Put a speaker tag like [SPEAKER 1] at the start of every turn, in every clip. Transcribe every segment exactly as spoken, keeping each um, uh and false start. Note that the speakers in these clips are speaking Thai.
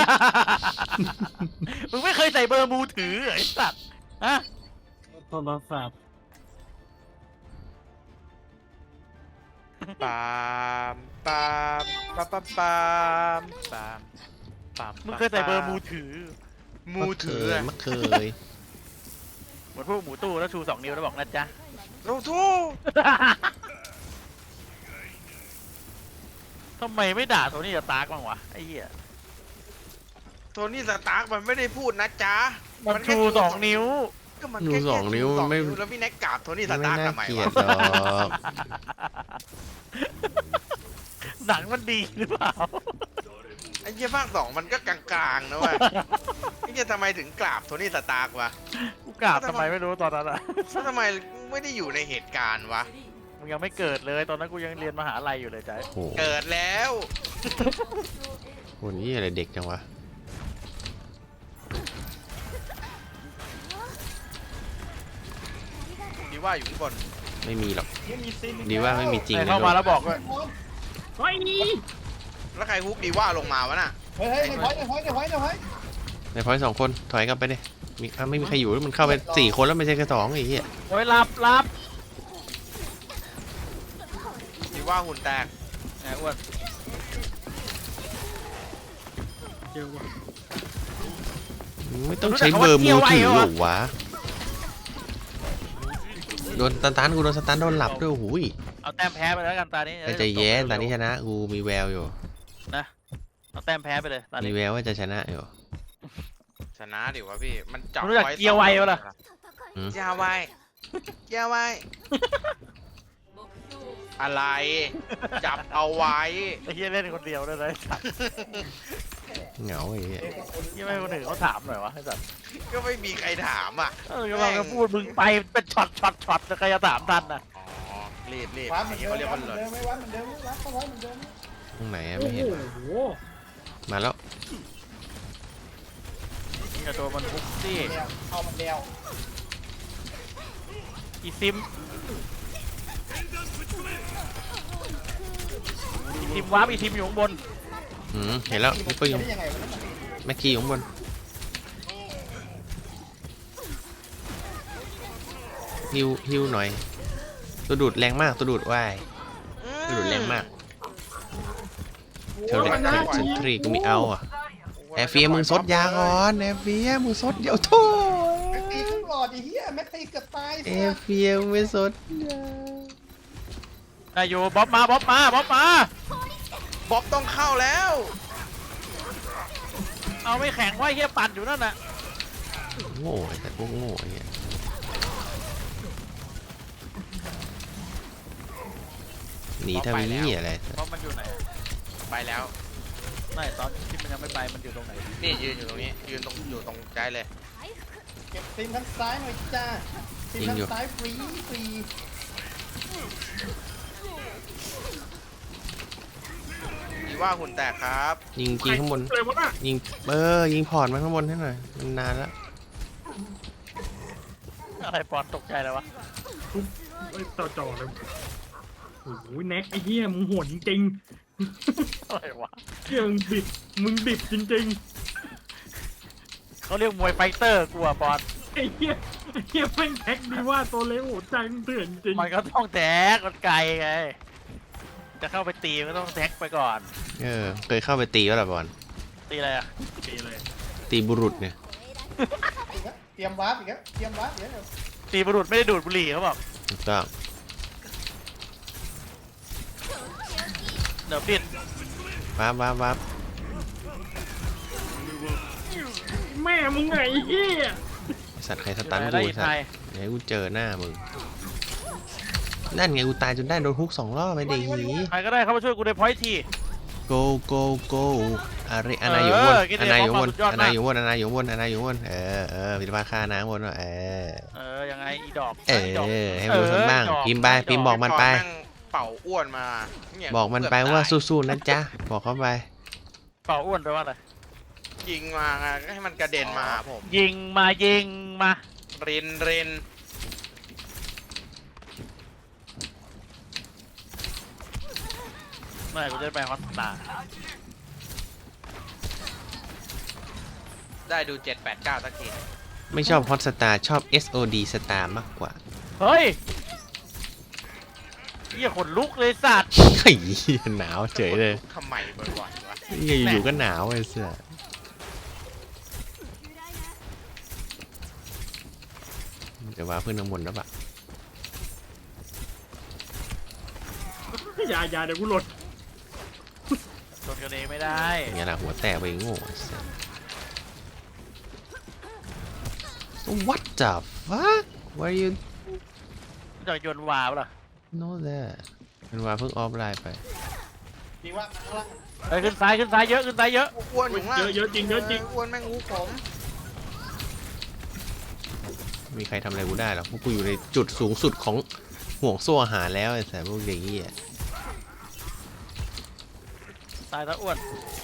[SPEAKER 1] มึงไม่เคยใส่เบอร์มือถือไอ้สัตว์ฮะ
[SPEAKER 2] โทรศัพท์
[SPEAKER 3] ปามปามปามปามปามปามปาม
[SPEAKER 1] มึงเคยใส่เบอร์มือถือ
[SPEAKER 3] มือถือ
[SPEAKER 4] ไม่เคย
[SPEAKER 1] เหมือนพวกหมูตู้แล้วชูสองนิ้วแล้วบอกนะจ๊ะ
[SPEAKER 3] โอ้ทู่
[SPEAKER 1] ทำไมไม่ด่าโทนี่กับตาร์กบ้างวะไอ้เหี้ย
[SPEAKER 3] โทนี่สตาร์กมันไม่ได้พูดนะจ๊ะ
[SPEAKER 1] มันชูสองนิ้ว
[SPEAKER 3] ก็มัน
[SPEAKER 4] ชู
[SPEAKER 3] แค่
[SPEAKER 4] สองนิ้ว
[SPEAKER 3] ชูสอง
[SPEAKER 4] ไม่
[SPEAKER 3] แล้วพี่แน็กกราบโทนี่ส
[SPEAKER 4] ไม่
[SPEAKER 3] ตาร์ก
[SPEAKER 4] น่า
[SPEAKER 3] ทำไม
[SPEAKER 4] เกลียว
[SPEAKER 3] ะ
[SPEAKER 4] ดหรอก
[SPEAKER 1] หนังมันดีหรือเปล่า
[SPEAKER 3] ไอ้เหี้ยภาคสองมันก็กลางๆนะเว้ยไอ้เหี้ยทำไมถึงกราบโทนี่สตาร์กวะ
[SPEAKER 1] กูกราบทำไมไม่รู้ตอนนั้นอะ
[SPEAKER 3] แล้วทำไมไม่ได้อยู่ในเหตุการณ์วะ
[SPEAKER 1] มึงยังไม่เกิดเลยตอนนั้นกูยังเรียนมหาลัยอยู่เลยจ้ะ
[SPEAKER 4] โอ้โห
[SPEAKER 3] เกิดแล้ว
[SPEAKER 4] คนนี้อะไรเด็กจังวะ
[SPEAKER 3] ดีว่าอยู่ข้างบน
[SPEAKER 4] ไม่มีหรอก
[SPEAKER 2] ไม่มีซิน
[SPEAKER 4] ดีว่าไม่มีจริง
[SPEAKER 1] ใคร
[SPEAKER 4] ใน
[SPEAKER 1] เข้า
[SPEAKER 4] โล
[SPEAKER 1] มาก แล้วบอกด้วย
[SPEAKER 2] เฮ้ยนี่
[SPEAKER 3] แล้วใครฮุกดีว่าลงมาวะน่ะ
[SPEAKER 2] เฮ้ยในพอยในพอยในพอยในพอย
[SPEAKER 4] ในพอยสองคนถอยกลับไปดิมีอ่ะไม่มีใครอยู่แล้วมันเข้าไปสี่คนแล้วไม่ใช่แค่สองไอ้เหี้ย
[SPEAKER 1] โอ้ยรับรับ
[SPEAKER 3] ดีว่าหุ่นแตก
[SPEAKER 1] ไอ้อ้วน
[SPEAKER 2] เจอว่ะ
[SPEAKER 4] ไม่ต้องใช้เบอร์มือถือหรอวะโดนสตันกูโดนสตันโดนหลับด้วยโอ้โหย
[SPEAKER 1] เอาแต้มแพ้ไปแล้วกันตานี้
[SPEAKER 4] แต่ใจแย้นตอนนี้ชนะกูมีแววอยู่
[SPEAKER 1] นะเอาแต้มแพ้ไปเลยตา
[SPEAKER 4] มี
[SPEAKER 1] นี้
[SPEAKER 4] แววว่าจะชนะอยู่
[SPEAKER 3] ชนะดิวะพี่มันจับ
[SPEAKER 1] รู้จักเกียร์ไวปะล่ะ
[SPEAKER 3] เกียร์ไวเกียร์ไวอะไร จับเอาไว้
[SPEAKER 1] ไอ้เหี้ยเล่นคนเดียวได้เลยสัตว์
[SPEAKER 4] เหงาไอ้เหี้ย
[SPEAKER 1] เหี้ยไม่ให้คนอื่นเขาถามหน่อยวะไอ้สัตว์
[SPEAKER 3] ก็ไม่มีใครถามอ่ะ
[SPEAKER 1] เออกำลังจะพูดมึงไปเป็นช็อตช็อตช็อตจะใครจะถามทันน่ะ
[SPEAKER 3] อ๋อรีบรีบ
[SPEAKER 2] วัดเหมื
[SPEAKER 3] ไอ้
[SPEAKER 2] อน
[SPEAKER 3] เหี้ย
[SPEAKER 2] เดิ
[SPEAKER 3] เขา
[SPEAKER 2] ม
[SPEAKER 3] เรียก
[SPEAKER 2] วั
[SPEAKER 3] ว่า
[SPEAKER 2] ดเหมื
[SPEAKER 3] เล
[SPEAKER 2] อน
[SPEAKER 3] ย
[SPEAKER 2] เดิมไม่วัดเหมือนเดิมวัดเข้าไว้เหมือนเดิม
[SPEAKER 4] ตรงไหนอะ
[SPEAKER 2] โอ้
[SPEAKER 4] ไม่เห็น
[SPEAKER 2] โห
[SPEAKER 4] มาแล้ว
[SPEAKER 1] อย่าตัวมันพุกสิ
[SPEAKER 2] เดียวเข้ามันเดียว
[SPEAKER 1] อีซิมอีซิมวาร์ปอีซิมอยู่ข้างบน
[SPEAKER 4] อืมเห็นแล้วนี่ก็อยู่
[SPEAKER 2] ได้ยังไงวะนั่นน่ะ
[SPEAKER 4] แม็กกี้อยู่ข้างบนฮิวฮิวหน่อยตัวดูดแรงมากตัวดูดว่ายตัวดูดแรงมากเทเลตเทนทรีกูมีเอาอ่ะแอร์เฟียมึงซดยาก่อนแอร์เฟียมึงซดเดี๋ยวโทษ
[SPEAKER 2] แม็กตีขึ้นหลอดไอ้เหี้ยแม็กตีเกือบตาย
[SPEAKER 4] แอ
[SPEAKER 2] เสีย
[SPEAKER 4] ร์เฟียมึงไม่ซดยา
[SPEAKER 1] นายโยบ๊อบมาบ๊อบมาบ๊อบมา
[SPEAKER 3] บ๊อบต้องเข้าแล้ว
[SPEAKER 1] เอาไม่แข็งไว้เฮียปั่นอยู่นั่นน่ะ
[SPEAKER 4] โง่ไอ้แต่พวกโง่ไอ้เงี้ยหนีทำนี้อะไร
[SPEAKER 1] บ๊อบมันอยู่ไหน
[SPEAKER 3] ไปแล้ว
[SPEAKER 1] ไม่ตอนที่มันยังไม่ไปมันอยู่ตรงไหน
[SPEAKER 3] นี่ยืนอยู่ตรงนี้ยืนตรงอยู่ตรงใจเลย
[SPEAKER 2] เก็บซิมทางซ้ายหน่อยจ้าซิมทางซ้ายฟรีฟรี
[SPEAKER 3] ดีว่าหุ่นแตกครับ
[SPEAKER 4] ยิงยิงข้างบนยิงเออยิงพอร์ตมาข้างบนให้หน่อยมันนานแล้ว
[SPEAKER 1] อะไรปอนตกใจแล้ววะ
[SPEAKER 5] เอ้ยต่อจ่อเลยโอ้โหแน็กไอ้เหี้ยมึงโหดจริง
[SPEAKER 1] อะไรวะ
[SPEAKER 5] ๆเหี้ยมึงดิบมึงดิบจริง
[SPEAKER 1] เขาเรียกมวยไฟเตอร์กูอะปอน
[SPEAKER 5] ๆไอ้เหี้ยไอ้เหี้ยแม่งแท็กดีว่าตัวเล็กโหดใจมึงเถื่อนจริง
[SPEAKER 1] มันก็ต้องแท็กมันไกลไงจะเข้าไปตีมันก็ต้องแท็กไปก่อน
[SPEAKER 4] เออเคยเข้าไปตีวะล่ะบอล
[SPEAKER 1] ตีอะไรอะ
[SPEAKER 5] ดีเลย
[SPEAKER 4] ตีบุรุษเนี่ย
[SPEAKER 2] อีกแล้วเตรียมวาร์ปอีกแล้วเตรียมวาร์ปอีกแล้ว
[SPEAKER 1] ตีบุรุษไม่ได้ดูดบุหรี่เขาบอก
[SPEAKER 4] ถูกต้อง
[SPEAKER 1] เดี๋ยวปิด
[SPEAKER 4] วับวับวับ
[SPEAKER 5] แม่มึงไงไอ้เหี้ย
[SPEAKER 4] ไอ้สัตว์ใครสตัน
[SPEAKER 1] ได้
[SPEAKER 4] กู
[SPEAKER 1] ยิน
[SPEAKER 4] สัต
[SPEAKER 1] ไท
[SPEAKER 4] ว์
[SPEAKER 1] ย
[SPEAKER 4] เดี๋ยวกูเจอหน้ามึงนั่นไงกูตายจนได้โดนฮุกสองรอบไปดิหี
[SPEAKER 1] ใครก็ได้เข้ามาช่วยกูในพอยที
[SPEAKER 4] go go go อะไรอานาอยู่บน
[SPEAKER 1] เออกินเดี๋
[SPEAKER 4] อา
[SPEAKER 1] ยว
[SPEAKER 4] นาอยู่บน
[SPEAKER 1] สุดยอดมาก
[SPEAKER 4] อานาอยู่บนอานาอยู่บนอานาอยู่บนเออเออพิธภาฆ่าน้ำบนว่ะเออ
[SPEAKER 1] เออยังไงอีดอก
[SPEAKER 4] เอ
[SPEAKER 1] ดอก
[SPEAKER 4] อให้มันรู้สักบ้าง
[SPEAKER 1] เออ
[SPEAKER 4] พิมพ์ไปพิมพ์บอกมันไป
[SPEAKER 3] แงเป่าอ้วนมาเนี่ย
[SPEAKER 4] บอกมันไปว่าสู้ๆนะจ๊ะบอกเขาไป
[SPEAKER 1] เป่าอ้วนไปลว่าอะไร
[SPEAKER 3] ยิงมาไงให้มันกระเด็นมาหาผม
[SPEAKER 1] ยิงมายิงมา
[SPEAKER 3] รินริน
[SPEAKER 1] เมื่อไหร่กูจะได้ไปฮอตสตาร์
[SPEAKER 3] ได้ดูเจ็ดแปดเก้าสักที
[SPEAKER 4] ไม่ชอบฮอตสตาร์ชอบ เอส โอ ดี สตาร์มากกว่า
[SPEAKER 1] เฮ้ยเหี้ยขนลุกเลยสัตว์
[SPEAKER 4] เฮ้ยหนาวเฉยเลย
[SPEAKER 3] ทำไมบ่อยๆวะ
[SPEAKER 4] อยู่ๆก็หนาวไอ้เสื้อจะว่าเพื่อนข้างบนแล้วปะ
[SPEAKER 5] อย่าอย่าเดี๋ยวกูหลุด
[SPEAKER 1] โดนกันเองไม่ได้
[SPEAKER 4] อย่างเงี้ยแหละหัวแตกไปโง่ไอ้เสื้อ What the fuck Why you
[SPEAKER 1] จะโยนวาวเหรอ
[SPEAKER 4] know that มันว่าเพิ่งออฟไลน์ไป
[SPEAKER 2] ดีว่าข้างล่าง
[SPEAKER 1] เฮ้ยขึ้นซ้ายขึ้นซ้ายเยอะขึ้นซ้ายเยอะ
[SPEAKER 3] อ้วนอยู่ข้างล่าง
[SPEAKER 5] เยอะเยอะจริงเยอะจริง
[SPEAKER 3] อ้วนแม่งงูผม
[SPEAKER 4] มีใครทำอะไรกูได้หรอกพวกกูอยู่ในจุดสูงสุดของห่วงโซ่อาหารแล้วไอ้แต่พวกเด็กนี่อ่ะ
[SPEAKER 1] ตายตะอ้วน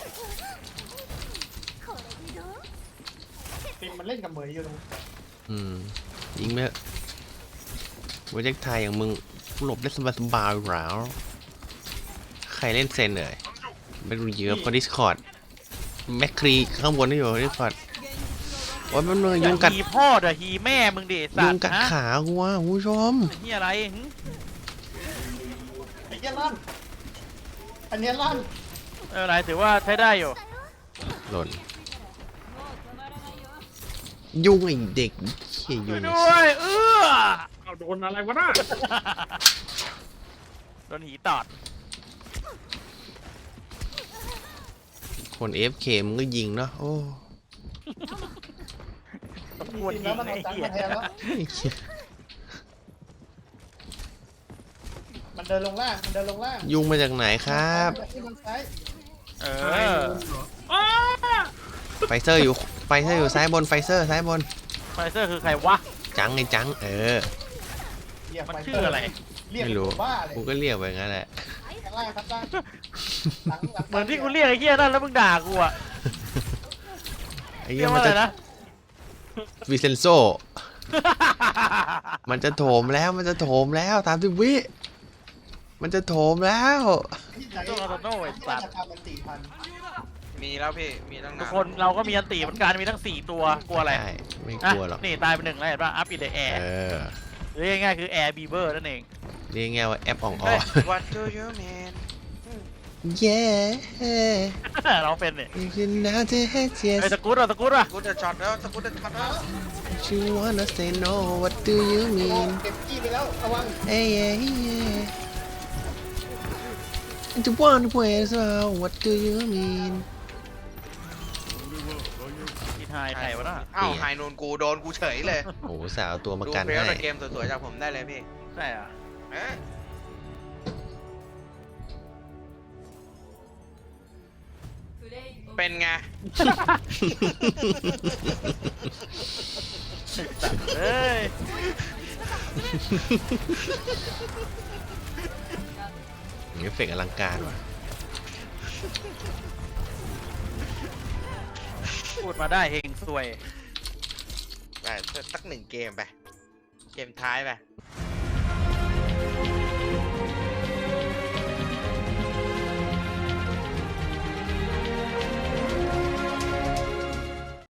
[SPEAKER 2] ฟิล์มมันเล่นกับเหมยอยู่ตรง
[SPEAKER 4] อืมยิงไปเถอะโปรเจกต์ไทยอย่างมึงหลบได้สบายสบายๆหราวใครเล่นเซนเลยไม่รู้เยอะเพราะ Discord แมคครีข้างบนนี่อยู่ Discord โอ้ยมันเลย
[SPEAKER 1] อ
[SPEAKER 4] ยุ
[SPEAKER 1] ย่าง
[SPEAKER 4] กัด
[SPEAKER 1] ฮีพ่อเด้อฮีแม่มึงดิสั
[SPEAKER 4] ยุ
[SPEAKER 1] ต
[SPEAKER 4] ง
[SPEAKER 1] ว์
[SPEAKER 4] กัด
[SPEAKER 1] ฮะ
[SPEAKER 4] ขากูว่ะคุณผู้ชม
[SPEAKER 1] เฮียอะไรหึ
[SPEAKER 2] ไอ้เหี้ยลั่นอันเนี้ยลั่น
[SPEAKER 1] เอออะไรถือว่าใช้ได้อยู่
[SPEAKER 4] หล่นยุงไอ้เด็กเขี้ยยุ
[SPEAKER 1] ช่วย
[SPEAKER 4] ง
[SPEAKER 1] ด้วยเออ
[SPEAKER 5] เอาโดนอะไรวะน่ะ
[SPEAKER 1] โดนหีตอด
[SPEAKER 4] คน เอฟ เค มึงก็ยิงเนาะโอ้
[SPEAKER 1] ตะกวน
[SPEAKER 2] ฟิล์ม
[SPEAKER 1] ยิ
[SPEAKER 2] แล้ว
[SPEAKER 1] ง
[SPEAKER 2] มัน
[SPEAKER 1] ไอ้
[SPEAKER 2] เอาจัง
[SPEAKER 1] เหี้ย
[SPEAKER 2] มาแทนแล้ว
[SPEAKER 4] ไอ้เหี้ย
[SPEAKER 2] มันเดินลงล่างมันเดินลงล่าง
[SPEAKER 4] ยุงมาจากไหนครับ
[SPEAKER 2] ที่ทางซ้าย
[SPEAKER 1] เอ
[SPEAKER 5] ใช่
[SPEAKER 1] อ
[SPEAKER 5] เหรออ้า
[SPEAKER 4] ไฟเซอร์อยู่ไฟเซอร์อยู่ซ้ายบนไฟเซอร์ซ้ายบน
[SPEAKER 1] ไฟเซอร์คือใครวะ
[SPEAKER 4] จังไอ้จังเออ
[SPEAKER 2] เรียก
[SPEAKER 1] มัน
[SPEAKER 2] ไฟ
[SPEAKER 1] ชื่
[SPEAKER 2] เต
[SPEAKER 1] ออะไร
[SPEAKER 2] เรียก
[SPEAKER 4] ไม่รู้
[SPEAKER 2] บ้าเลย
[SPEAKER 4] กูก็เรียกไปงั้นแหละ
[SPEAKER 2] ข้างล่างครับล่างหลังหลัง
[SPEAKER 1] เหมือนที่กูเรียกไอ้เหี้ยนั่นแล้วมึงด่ากูอะ
[SPEAKER 4] ไอ้
[SPEAKER 1] เรี
[SPEAKER 4] เหี้
[SPEAKER 1] ย
[SPEAKER 4] ย
[SPEAKER 1] ก
[SPEAKER 4] มั
[SPEAKER 1] ว่าน อะไร
[SPEAKER 4] จะ
[SPEAKER 1] นะ
[SPEAKER 4] วิเซนโซ มันจะโถมแล้วมันจะโถมแล้วตามที่วิ มันจะโถมแล้ว
[SPEAKER 2] ที่ไหน
[SPEAKER 1] ตัวคาโน่ไอ้สัตว์
[SPEAKER 2] ราคามันสี่พัน
[SPEAKER 3] มีแล้วพี่ มีตั้ง
[SPEAKER 1] ทุก
[SPEAKER 3] นาน
[SPEAKER 1] คนเราก็มีอันตีเหมือนกันมีทั้งสี่ตัวกลัวอะไร
[SPEAKER 4] ใช่ไม่ก
[SPEAKER 1] อ่ะ
[SPEAKER 4] ลัวหรอก
[SPEAKER 1] นี่ตายไปหนึ่งแล้วเห็นป่ะอัพอินเดอะแอร์
[SPEAKER 4] เออ
[SPEAKER 1] หรือง่ายๆคือแอร์บีเบอร์นั่นเอง
[SPEAKER 4] เรียกง่ายว่าแอปอ่องอ
[SPEAKER 3] เฮ้ย What do you mean
[SPEAKER 4] เย้
[SPEAKER 1] เราเป็นเนี่ย
[SPEAKER 4] you know to hate
[SPEAKER 1] ไอ้
[SPEAKER 4] yes
[SPEAKER 1] ตะกรุดอ่ะตะกรุดอ่ะ
[SPEAKER 3] กูจะช็อตแล้วกูจะช็อตแล้ว
[SPEAKER 4] you wanna say no what do you
[SPEAKER 2] โอ้
[SPEAKER 4] mean
[SPEAKER 2] เก็บจี้ไปแล้วระวัง
[SPEAKER 4] hey yeah yeah and you want to play as well what do you mean
[SPEAKER 1] ทีไทยไทยวะน่ะ
[SPEAKER 3] อ้าวไฮนูนกูโดนกูเฉยเลย
[SPEAKER 4] โอ้โหสาวตัวมา
[SPEAKER 3] ดู
[SPEAKER 4] กัน
[SPEAKER 3] เพล
[SPEAKER 4] ให้
[SPEAKER 3] ย์เกมสวยๆจากผมได้เลยพี่
[SPEAKER 1] ใช่อ่ะ
[SPEAKER 3] เอ๊ะ เป็นไง
[SPEAKER 1] เฮ้ย
[SPEAKER 4] เอฟเฟกต์อลังการว่ะ
[SPEAKER 1] พูดมาได้เฮงซวย
[SPEAKER 3] ไปสักหนึ่งเกมไป เกมท้ายไป